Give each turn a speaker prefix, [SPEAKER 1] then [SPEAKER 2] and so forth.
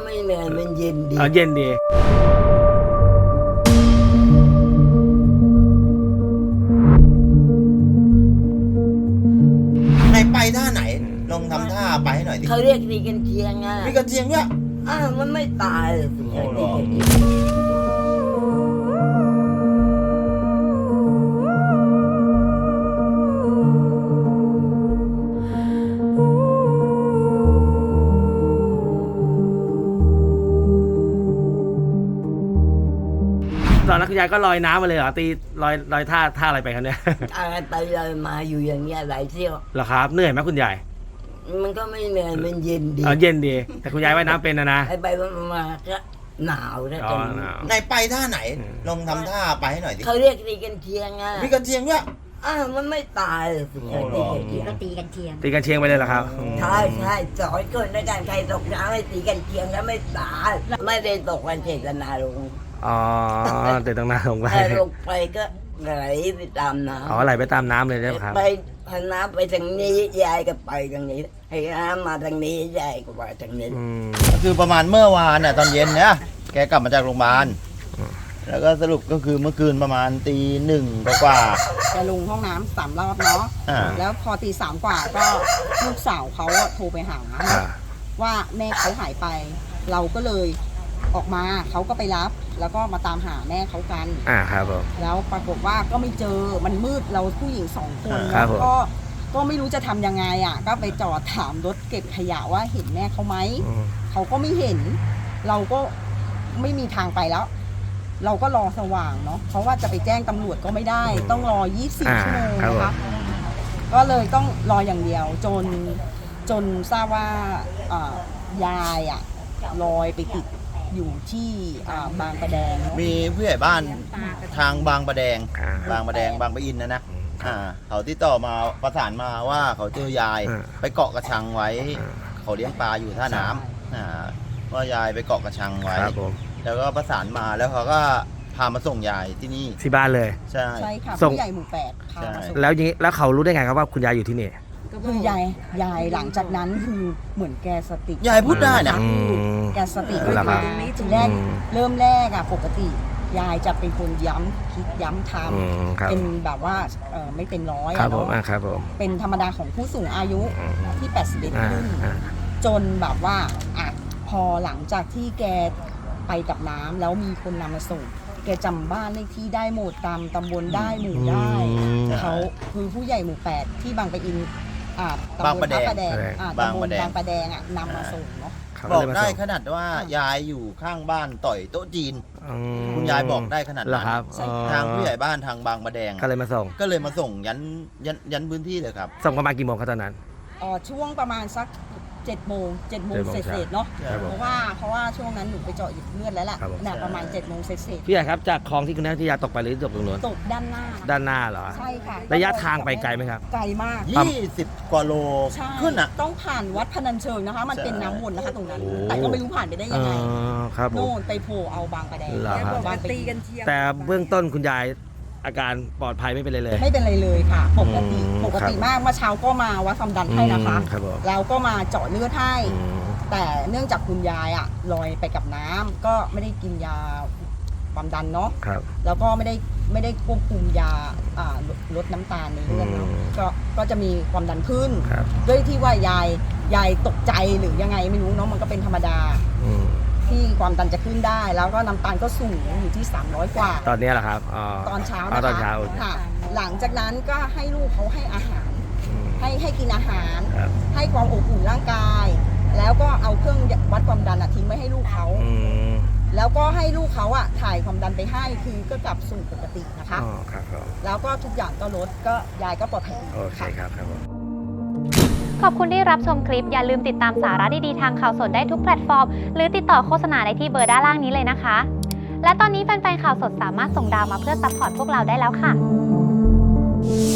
[SPEAKER 1] ไม่เหนื่อยมันเย็นดี
[SPEAKER 2] เย็นดี
[SPEAKER 3] ไหนไปท่าไหนลองทำท่าไปให้หน่อยดิ
[SPEAKER 1] เขาเรียกตีกันเชียงอ่ะ
[SPEAKER 3] มีกระเทียมด้วย
[SPEAKER 1] มันไม่ตายเลยสิ
[SPEAKER 3] โอ้โห
[SPEAKER 1] ตีกันเชียง
[SPEAKER 2] ตอนนั้นคุณยายก็ลอยน้ำมาเลยเหรอตีลอยท่าอะไรไปครับเนี่ย
[SPEAKER 1] อะไรไปเลยมาอยู่อย่างเงี้ยหลายเที่ยว
[SPEAKER 2] เหรอครับเหนื่อยไหมคุณยาย
[SPEAKER 1] มันก็ไม่เหนื่อยมันเย็นดี
[SPEAKER 2] เย็นดีแต่คุณยายว่ายน้ำเป็นนะ
[SPEAKER 1] ไปมาก็หนาวนะ
[SPEAKER 2] อ๋อ
[SPEAKER 1] ตอน
[SPEAKER 2] ห
[SPEAKER 1] นี้
[SPEAKER 2] นาว
[SPEAKER 3] ไหนไปท่าไหนลองทำท่าไปให้หน่อยดิ
[SPEAKER 1] เขาเรียกตีกันเชียงอ่ะ
[SPEAKER 3] มีกระเทียมด้วย
[SPEAKER 1] มันไม่ตายเลยสิ
[SPEAKER 3] โอ้โห
[SPEAKER 1] ตีกันเชียง
[SPEAKER 4] ก็ตีกันเชียง
[SPEAKER 2] ตีกันเชียงไปเลยเหรอครับ
[SPEAKER 1] ใช่สอนคนด้วยกันใครตกน้ำให้ตีกันเชียงแล้วไม่ตายไม่ได้ตกกันเจตนาลง
[SPEAKER 2] อ๋อแต่ตั้งนานลงไป
[SPEAKER 1] ถ้าลงไปก็ไหลไปตามน้ำ
[SPEAKER 2] อ๋อไหลไปตามน้ำเลยใช่ไหมครับ
[SPEAKER 1] ไปพาน้ำไปทางนี้ยายก็ไปทางนี้ให้น้ำมาทางนี้ยายก็ไปทางนี้
[SPEAKER 3] ก็คือประมาณเมื่อวานเนี่ยตอนเย็นเนี่ยแกกลับมาจากโรงพยาบาลแล้วก็สรุปก็คือเมื่อคืนประมาณตีหนึ่งกว่า
[SPEAKER 5] แกลงห้องน้ำ3 รอบเนาะ
[SPEAKER 3] อ่า
[SPEAKER 5] แล้วพอตี 3 กว่าก็ลูกสาวเขาอะโทรไปหา ว่าแม่เขาหายไป เราก็เลยออกมาเขาก็ไปรับ แล้วก็มาตามหาแม่เขากัน
[SPEAKER 2] ครับผม
[SPEAKER 5] แล้วปรากฏว่าก็ไม่เจอมันมืดเราผู้หญิง2 คน
[SPEAKER 2] ครับผม
[SPEAKER 5] ก็ไม่รู้จะทำยังไงอ่ะก็ไปจอดถามรถเก็บขยะว่าเห็นแม่เขาไหมเขาก็ไม่เห็น เราก็ไม่มีทางไปแล้ว เราก็รอสว่างเนาะเพราะว่าจะไปแจ้งตำรวจก็ไม่ได้ ต้องรอ24 ชั่วโมงนะคะก็เลยต้องรออย่างเดียวจนทราบว่ายายอ่ะลอยไปติดอยู่ที่บางประแดง
[SPEAKER 3] ๆมีผู้ใหญ่บ้านทางบางประแดงบางประอินนะเขาติดต่อมาประสานมาว่าเขาเจอยายไปเกาะกระชังไว้เขาเลี้ยงปลาอยู่ท่าน้ำว่ายายไปเกาะกระชังไว้แล้วก็ประสานมาแล้วเขาก็พามาส่งยายที่นี่
[SPEAKER 2] ที่บ้านเลย
[SPEAKER 3] ใช่
[SPEAKER 5] ใช่ค่ะ
[SPEAKER 2] ส่ง
[SPEAKER 5] ผู้ใหญ่หมู่8พามาส่ง
[SPEAKER 2] แล้วเขารู้ได้ไงครับว่าคุณยายอยู่ที่นี่
[SPEAKER 5] คือยายหลังจากนั้นคือเหมือนแกสติ
[SPEAKER 3] ยายพูดได้นะ
[SPEAKER 5] แกสติ
[SPEAKER 2] เหรอครับ
[SPEAKER 5] ทีแรกเริ่มแรกอะปกติยายจะเป็นคนย้ำคิดย้ำท
[SPEAKER 2] ครับ
[SPEAKER 5] ำเป็นแบบว่าไม่เต็มร้อย
[SPEAKER 2] ครับ
[SPEAKER 5] อะ
[SPEAKER 2] ผม
[SPEAKER 5] เนาะ
[SPEAKER 2] ครับผม
[SPEAKER 5] เป็นธรรมดาของผู้สูงอายุที่81ขึ้น จนแบบว่าอ่ะพอหลังจากที่แกไปกับน้ำแล้วมีคนนำมาส่ง แกจำบ้านเลขที่ได้หมดตามตำบลได้หมู่ได้เขาคือผู้ใหญ่หมู่8ที่บางปะอินตำบลพระประแดงตำบลบางประแดงอ่ะนำมาส่งเนาะ
[SPEAKER 3] บอกได้ขนาดว่ายายอยู่ข้างบ้านต่อยโต๊ะจีนคุณยายบอกได้ขนาด
[SPEAKER 2] เหรอ
[SPEAKER 3] นั้น
[SPEAKER 2] ครับ
[SPEAKER 3] ทางผู้ใหญ่บ้านทางบางประแดง
[SPEAKER 2] ก็เลยมาส่ง
[SPEAKER 3] ก็เลยมาส่งยันพื้นที่เลยครับ
[SPEAKER 2] ส่งประมาณกี่โมงครับตอนนั้น
[SPEAKER 5] ช่วงประมาณสัก7 โมงเศษๆเนาะ
[SPEAKER 2] ครับผม
[SPEAKER 5] เพราะว่าช่วงนั้นหนูไปเจาะหยิบเลือดแล้วล่ะ
[SPEAKER 2] ครับผม
[SPEAKER 5] เนี่ยประมาณ7 โมงเศษ
[SPEAKER 2] พี่ใหญ่ครับจากคลองที่คุณนัทยาตกไปหรือตกตรงนู้น
[SPEAKER 5] ๆตกด้านหน้า
[SPEAKER 2] ด้านหน้าเหรอ
[SPEAKER 5] ใช่ค่ะ
[SPEAKER 2] ระยะทางไปไกลไหมครับ
[SPEAKER 5] ไกลมาก
[SPEAKER 3] 20 กว่าโล
[SPEAKER 5] ใช่
[SPEAKER 3] ขึ้นอ่ะ
[SPEAKER 5] ต้องผ่านวัดพนัญเชิงนะคะ มัน
[SPEAKER 3] ใช่
[SPEAKER 5] เป็นน้ำวนนะคะตรงนั้น
[SPEAKER 2] โอ้
[SPEAKER 5] แต่ก็ไม่รู้ผ่านไปได้ยังไง
[SPEAKER 2] ครับผม
[SPEAKER 5] โน่นไปโผล่เอาบางประแดง
[SPEAKER 2] เหรอครับ
[SPEAKER 5] บางตีกัน
[SPEAKER 2] แต่เบื้องต้นคุณยายอาการปลอดภัยไม่เป็นไรเลย
[SPEAKER 5] ไม่เป็นไรเลยค่ะ ปกติ
[SPEAKER 2] อืม
[SPEAKER 5] ปกติมากเมื่อเช้าก็มาวัดความดันให้นะคะ
[SPEAKER 2] ครับผม
[SPEAKER 5] แล้วก็มาเจาะเลือดให้ แต่เนื่องจากคุณยายอะลอยไปกับน้ำก็ไม่ได้กินยาความดันเนาะ
[SPEAKER 2] ครับ
[SPEAKER 5] แล้วก็ไม่ได้ควบคุมยาลดน้ำตาลในเลือดเนาะ ก็จะมีความดันขึ้น
[SPEAKER 2] ครับ
[SPEAKER 5] ด้วยที่ว่ายายตกใจหรือยังไงไม่รู้เนาะมันก็เป็นธรรมดา ที่ความดันจะขึ้นได้ แล้วก็น้ำตาลก็สูงอยู่ที่300 กว่า
[SPEAKER 2] ตอนนี้แหละครับ
[SPEAKER 5] ตอนเช้า
[SPEAKER 2] ต
[SPEAKER 5] นะ
[SPEAKER 2] อนเช้า
[SPEAKER 5] คะค่ะ หลังจากนั้นก็ให้ลูกเขาให้อาหาร ให้กินอาหาร
[SPEAKER 2] ครับ
[SPEAKER 5] ให้ความอบอุ่นร่างกาย แล้วก็เอาเครื่องวัดความดันทิ้งไว้ให้ลูกเขา แล้วก็ให้ลูกเขาถ่ายความดันไปให้คือก็กลับสู่ปกตินะคะ
[SPEAKER 2] ครับผม
[SPEAKER 5] แล้วก็ทุกอย่างก็ลดก็ยายก็ปลอดภัย
[SPEAKER 2] โอเคครับครับผม
[SPEAKER 4] ขอบคุณที่รับชมคลิปอย่าลืมติดตามสาระดีๆทางข่าวสดได้ทุกแพลตฟอร์มหรือติดต่อโฆษณาได้ที่เบอร์ด้านล่างนี้เลยนะคะและตอนนี้แฟนๆข่าวสดสามารถส่งดาวมาเพื่อซัพพอร์ตพวกเราได้แล้วค่ะ